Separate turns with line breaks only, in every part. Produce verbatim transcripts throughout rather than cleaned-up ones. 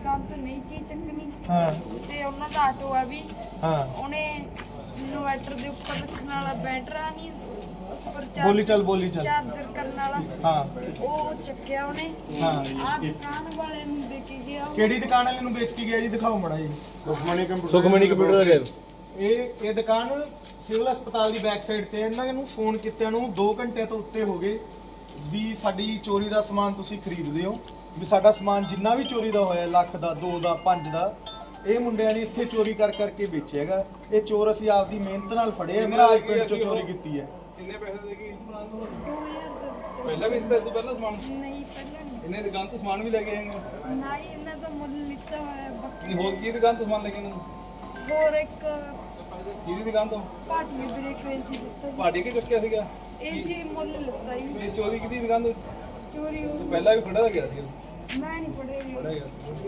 ਦੁਕਾਨ ਤੋਂ ਨਹੀਂ ਚੀਜ਼ ਚੱਕਣੀ।
ਹਾਂ
ਤੇ ਉਹਨਾਂ ਦਾ ਆਟੋ ਆ ਵੀ
ਹਾਂ
ਉਹਨੇ ਇਨਵਰਟਰ ਦੇ ਉੱਪਰ ਰੱਖਣ ਵਾਲਾ ਬੈਟਰਾ ਨਹੀਂ ਉੱਪਰ
ਬੋਲੀ ਚੱਲ ਬੋਲੀ ਚੱਲ
ਚਾਰਜਰ ਕਰਨ ਵਾਲਾ
ਹਾਂ
ਉਹ ਚੱਕਿਆ ਉਹਨੇ।
ਹਾਂ
ਆ ਦੁਕਾਨ ਵਾਲੇ ਨੂੰ ਦੇ ਕੇ ਗਿਆ।
ਕਿਹੜੀ ਦੁਕਾਨ ਵਾਲੇ ਨੂੰ ਵੇਚ ਕੇ ਗਿਆ ਜੀ? ਦਿਖਾਓ ਮੜਾ ਜੀ।
ਸੁਖਮਣੀ ਕੰਪਿਊਟਰ
ਸੁਖਮਣੀ ਕੰਪਿਊਟਰ ਦਾ ਗੈਰ
ਇਹ ਇਹ ਦੁਕਾਨ ਸਿਵਲ ਹਸਪਤਾਲ ਦੀ ਬੈਕ ਸਾਈਡ ਤੇ। ਇਹਨਾਂ ਨੂੰ ਫੋਨ ਕੀਤਿਆਂ ਨੂੰ ਦੋ ਘੰਟੇ ਤੋਂ ਉੱਤੇ ਹੋ ਗਏ ਵੀ ਸਾਡੀ ਚੋਰੀ ਦਾ ਸਮਾਨ ਤੁਸੀਂ ਖਰੀਦਦੇ ਹੋ, ਵੀ ਸਾਡਾ ਸਮਾਨ ਜਿੰਨਾ ਵੀ ਚੋਰੀ ਦਾ ਹੋਇਆ ਲੱਖ ਦਾ ਦੋ ਦਾ ਪੰਜ ਦਾ ਇਹ ਮੁੰਡਿਆਂ ਨੇ ਇੱਥੇ ਚੋਰੀ ਕਰ ਕਰਕੇ ਵੇਚਿਆ ਹੈਗਾ। ਇਹ ਚੋਰ ਅਸੀਂ ਆਪਦੀ ਮਿਹਨਤ ਨਾਲ ਫੜੇ ਆ। ਮੇਰਾ ਅੱਜ ਪਿੰਡ ਚੋਂ ਚੋਰੀ ਕੀਤੀ ਹੈ।
ਕਿੰਨੇ ਪੈਸੇ ਦੇ ਗਈ
ਦੋ ਹਜ਼ਾਰ ਦਾ
ਪਹਿਲਾਂ ਵੀ ਦਿੱਤਾ ਤੂੰ ਪਹਿਲਾਂ ਸਮਾਨ
ਨਹੀਂ ਪਹਿਲਾਂ ਨਹੀਂ
ਇਹਨੇ ਦੁਕਾਨ ਤੋਂ ਸਮਾਨ ਵੀ ਲੈ ਕੇ ਆਏ ਨੇ
ਨਾ ਹੀ ਇਹਨਾਂ ਦਾ ਮੁੱਲ ਲਿੱਤਾ ਹੋਇਆ ਬਾਕੀ
ਨਹੀਂ ਹੋਰ ਕੀ ਦੁਕਾਨ ਤੋਂ ਸਮਾਨ ਲੈ ਕੇ ਆਏ ਨੇ
ਹੋਰ ਇੱਕ
ਕਿਹਦੀ ਦੁਕਾਨ ਤੋਂ
ਪਾਰਟੀ ਬ੍ਰੇਕ ਹੋਈ ਸੀ ਦਿੱਤਾ
ਪਾਰਟੀ ਕੇ ਚੁੱਕਿਆ ਸੀਗਾ
ਇਹ ਸੀ ਮੁੱਲ ਲਿੱਤਾ ਹੀ
ਇਹ ਚੋਰੀ ਕਿਹਦੀ ਦੁਕਾਨ ਤੋਂ
ਚੋਰੀ ਉਹ
ਪਹਿਲਾਂ ਵੀ ਫੜਾ ਗਿਆ ਸੀ
ਮੈਂ ਨਹੀਂ ਪੜੇਗੀ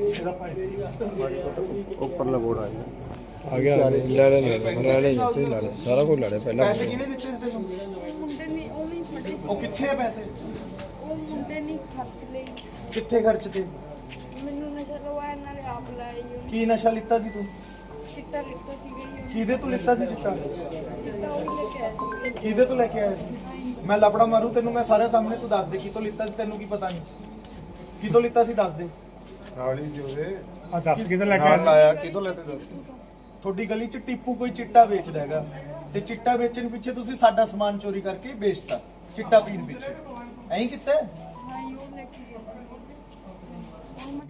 ਉੱਪਰਲਾ ਬੋਰਡ ਆ ਗਿਆ ਆ ਗਿਆ ਲੈ ਲੈ ਲੈ ਲੈ ਲੈ ਜਿੱਤੇ ਲੈ ਲੈ ਸਾਰਾ ਕੁਝ ਲੈ ਲੈ ਪਹਿਲਾਂ
ਪੈਸੇ ਕਿਹਨੇ ਦਿੱਤੇ ਸੀ ਤੈਨੂੰ?
ਉਹ ਮੁੰਡੇ ਨੇ ਉਹ ਨਹੀਂ ਫੜੇ ਸੀ।
ਉਹ ਕਿੱਥੇ ਆ ਪੈਸੇ?
ਉਹ ਮੁੰਡੇ ਨੇ ਖਰਚ ਲਈ।
ਕਿੱਥੇ ਖਰਚ ਤੇ?
ਮੈਨੂੰ ਨਸ਼ਾ ਲਵਾਇਆ ਨਾਲੇ ਆਪ ਲਾਇਆ ਜੀ ਉਹਨੇ।
ਕੀ ਨਸ਼ਾ ਲਿੱਤਾ ਸੀ ਤੂੰ?
ਚਿੱਟਾ ਲਿੱਤਾ ਸੀਗਾ ਜੀ ਉਹਨੇ।
ਕਿਹਦੇ ਤੋਂ ਲਿੱਤਾ ਸੀ ਚਿੱਟਾ?
ਚਿੱਟਾ ਉਹ ਲੈ ਕੇ ਆਇਆ ਸੀ।
ਕਿਹਦੇ ਤੋਂ ਲੈ ਕੇ ਆਇਆ ਸੀ? ਮੈਂ ਲਪੜਾ ਮਾਰੂ ਤੈਨੂੰ ਮੈਂ ਸਾਰੇ ਸਾਹਮਣੇ। ਤੂੰ ਦੱਸ ਦੇ ਕਿਤੋਂ ਲਿੱਤਾ ਸੀ, ਤੈਨੂੰ ਕੀ ਪਤਾ ਨਹੀਂ ਕਿਤੋਂ ਲਿੱਤਾ ਸੀ? ਦੱਸ ਦੇ।
ਨਾਲ ਹੀ ਸੀ ਉਹਦੇ
ਆ ਦੱਸ ਕਿਤੋਂ ਲੈ
ਨਾਲ ਲਾਇਆ ਕਿਤੋਂ ਲੈਤੇ ਦੱਸ
ਤੁਹਾਡੀ ਗਲੀ 'ਚ ਟੀਪੂ ਕੋਈ ਚਿੱਟਾ ਵੇਚਦਾ ਹੈਗਾ ਤੇ ਚਿੱਟਾ ਵੇਚਣ ਪਿੱਛੇ ਤੁਸੀਂ ਸਾਡਾ ਸਮਾਨ ਚੋਰੀ ਕਰਕੇ ਵੇਚਤਾ ਚਿੱਟਾ ਪੀਣ ਪਿੱਛੇ। ਐਂ ਕੀਤਾ?